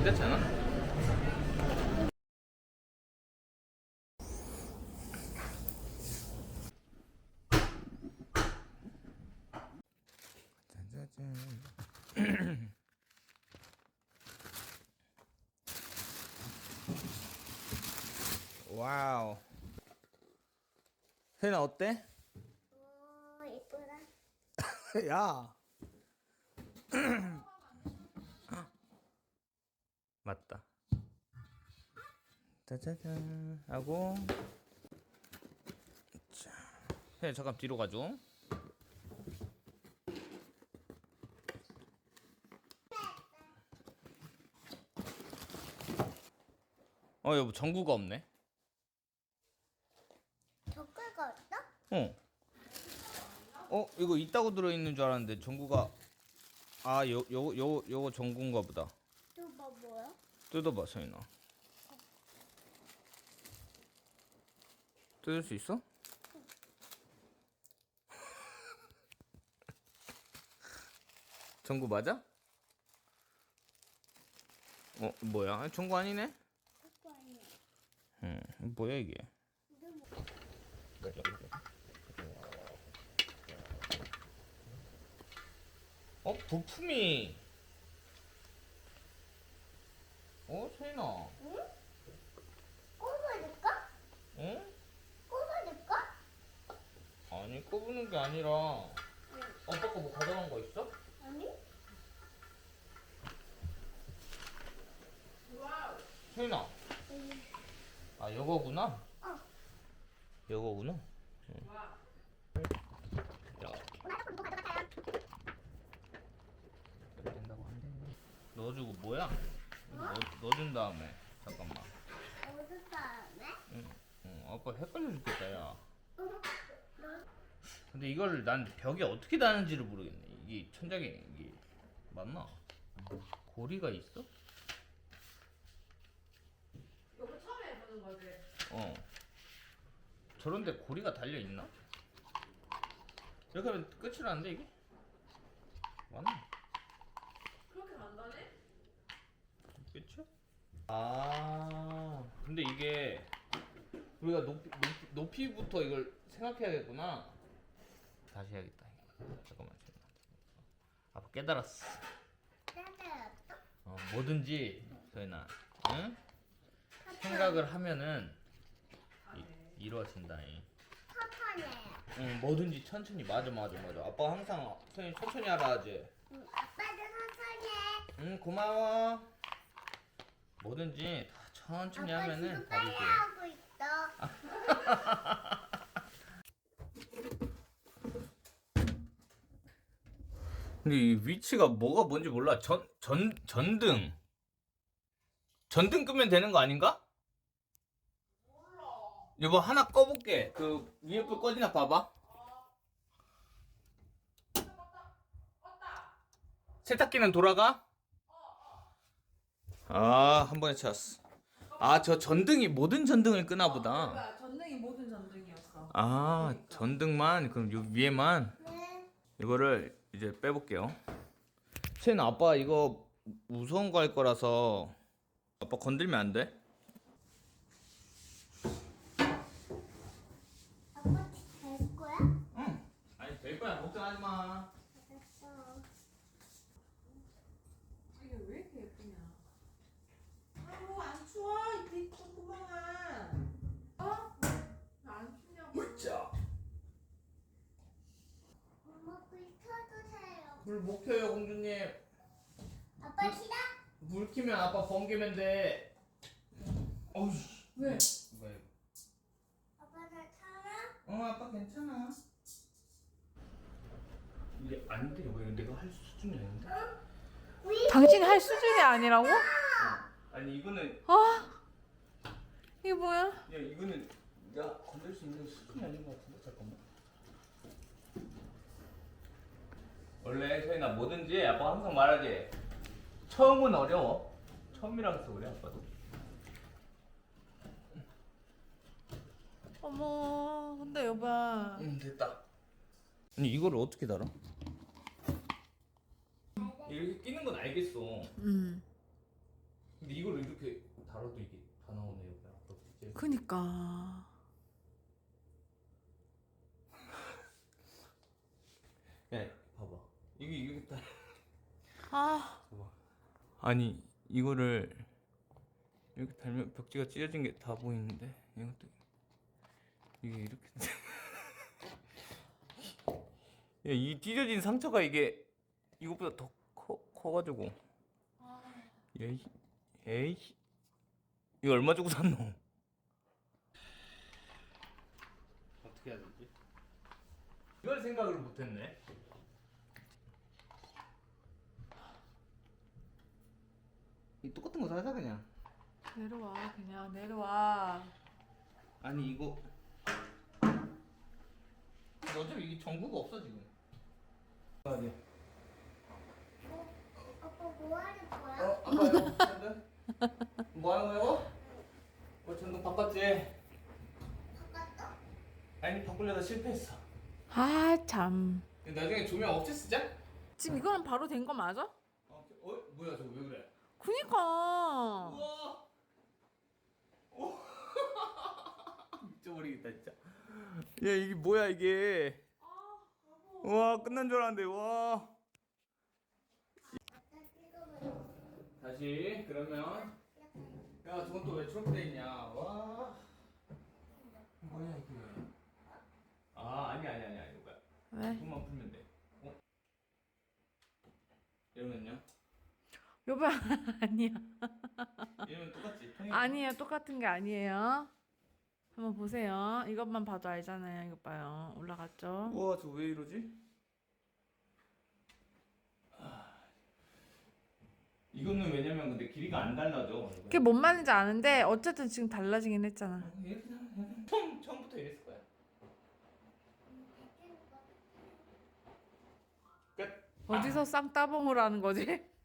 괜찮잖아. 짜자잔. 와우. 세나 어때? 이쁘다. 야. 맞다. 짜자잔 하고. 자, 세나 잠깐 뒤로 가줘. 여보 전구가 없네. 젓갈가 없어? 이거 있다고 들어있는 줄 알았는데 전구가 요거 전구인가 보다. 또 뭐야? 뜯어봐 서인아. 뜯을 수 있어? 전구 맞아? 뭐야? 전구 아니네? 그거 아니야. 뭐야 이게? 이게 뭐? 부품이. 서인아. 응? 꼽아줄까? 응? 꼽아줄까? 아니 꼽는 게 아니라. 응. 아빠 거 뭐 가져간 거 있어? 아니? 서인아. 응. 요거구나. 어. 요거구나. 야. 나도 그거 가져갔어요. 된다고 한대. 넣어주고 뭐야? 넣어준 다음에 잠깐만. 어디 다음에? 응, 아빠 헷갈려 죽겠다 야. 근데 이걸 난 벽에 어떻게 다는지를 모르겠네. 이게 천장에 이게 맞나? 고리가 있어? 이거 처음에 해보는 거지? 저런데 고리가 달려 있나? 이렇게 하면 끝이라는데 이게? 맞나? 그렇게 간단해? 끝이야? 근데 이게 우리가 높이부터 이걸 생각해야겠구나. 다시 해야겠다. 잠깐만. 아빠 깨달았어. 따뜻했어? 뭐든지 서연아, 응? 생각을 하면은 이루어진다. 파파네. 응, 뭐든지 천천히. 맞아. 아빠가 항상 서연이 천천히 하라 하지. 응, 아빠도 천천히 해. 응, 고마워. 뭐든지 다 천천히 아빠 하면은 지금 답이 빨리 돼. 하고 있어. 근데 이 위치가 뭐가 뭔지 몰라. 전등 끄면 되는 거 아닌가? 몰라. 여보 하나 꺼볼게. 그 위에 불 꺼지나 봐봐. 왔다. 세탁기는 돌아가? 한 번에 찾았어. 저 전등이 모든 전등을 끄나 보다. 뭐야, 전등이 모든 전등이었어. 전등만. 그럼 요 위에만. 네. 이거를 이제 빼볼게요. 쟤는 아빠 이거 무서운 거 할 거라서 아빠 건들면 안 돼? 아빠 될 거야? 응. 아니 될 거야. 걱정하지 마. 알았어. 이게 왜 이렇게 예쁘냐? 아우, 안 추워? 이 조그만아. 안 춥냐고. 자, 엄마 불 켜주세요. 불 못 켜요 공주님. 아빠 싫어? 물 켜면 아빠 번개면 돼. 어우. 왜? 왜? 아빠 나 살아? 아빠 괜찮아. 이게 안 돼. 왜 내가 할 수준이 아닌데? 당신 할 수준이 아니라고? 아니 이거는 이게 뭐야? 야 이거는 내가 건들 수 있는 수준이 아닌 것 같은데. 잠깐만. 원래 서인아 뭐든지 아빠가 항상 말하지. 처음은 어려워. 처음이라서 그래 아빠도. 어머, 근데 여봐. 됐다. 아니 이거를 어떻게 달아? 이렇게 끼는 건 알겠어. 그니까. 야, 봐봐. 이게 다. 아, 봐봐. 아니 이거를 이렇게 달면 벽지가 찢어진 게 다 보이는데 이것도 이게 이렇게. 야, 이 찢어진 상처가 이게 이것보다 더 커가지고. 에이, 에이, 이거 얼마 주고 샀노? 어떻게 해야 되지? 이걸 생각을 못했네. 이 똑같은 거 사자 그냥. 내려와, 그냥 내려와. 아니 이거 어차피 이게 전구가 없어 지금. 아니. 아빠 뭐 하는 거야? 아빠 이거 전등? 뭐 하는 거야 이거? 전등 바꿨지? 바꿨어? 아니 바꾸려다 실패했어. 아, 참. 나중에 조명 없이 쓰자? 지금 이거는 바로 된 거 맞아? 뭐야 저거 왜 그래? 그니까. 우와. 오. 미쳐버리겠다 진짜. 야 이게 뭐야 이게? 와 끝난 줄 알았는데 와. 아빠 찍어봐. 다시 그러면 야 저건 또 왜 저렇게 돼 있냐? 와. 뭐야 이게? 아 아니야 이거야. 왜? 이것만 풀면 돼. 어? 이러면요? 여보, 아니야. 이러면 똑같지? 통일. 아니에요. 똑같은 게 아니에요. 한번 보세요. 이것만 봐도 알잖아요. 이것 봐요. 올라갔죠? 우와 저 왜 이러지? 이거는 왜냐면 근데 길이가 안 달라져. 그게 뭔 말인지 아는데 어쨌든 지금 달라지긴 했잖아. 이렇게 하면 처음부터 이랬을 거야. 끝. 어디서 쌍따봉을 하는 거지?